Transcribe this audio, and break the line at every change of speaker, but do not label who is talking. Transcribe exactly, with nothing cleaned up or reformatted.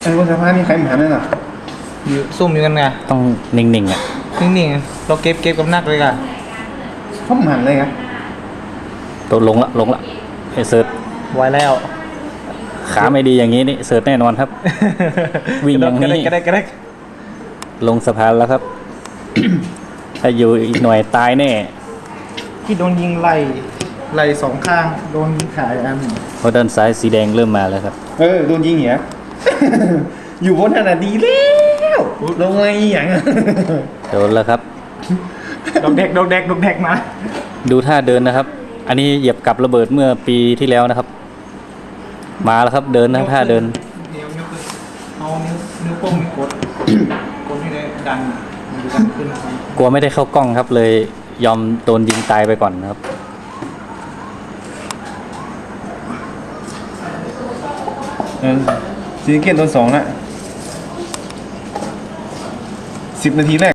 ไอ้บนสะพานนี่ใครหมาเนี่ยน่ะ
อยู่ซุ่มอยู่กันไง
ต้องนิ่งๆอ่ะ
นิ่งๆเราเก็บเก็บกับนักเลยกัน
เขาหมันเลยครับ
ตัวลงละลงละไอเสิร์ช
ไว้แล้ว
ขาไม่ดีอย่างนี้นี่เสิร์ชแน่นอนครับ วิ่งอย่างนี้
ก็ได้ก็ได้
ลงสะพานแล้วครับ ถ้าอยู่อีกหน่อยตายแน่
ที่โดนยิงไหลไหลสองข้างโดนยิงขาอัน
เพราะด้านซ้ายสีแดงเริ่มมาแล้วครับ
เออโดนยิงเหี้ย อยู่บนขนาดดีแล้วลงมาอีหยังอะ
โดนแล้วครับ
ดอกแดกดอกแดกดอกแดกมา
ดูท่าเดินนะครับ อันนี้เหยียบกับระเบิดเมื่อปีที่แล้วนะครับ มาแล้วครับเดินนะท่าเดิน
เดี๋ยวนิ้วขึ้นเอานิ้วนิ้วโป้งนิ้วกด กดให้ได้ดันมันจะดันขึ้น
กลัวไม่ได้เข้ากล้องครับ เลยยอมโดนยิงตายไปก่อนนะครับ
เออซีเกตโดนสองละสิบนาทีแรก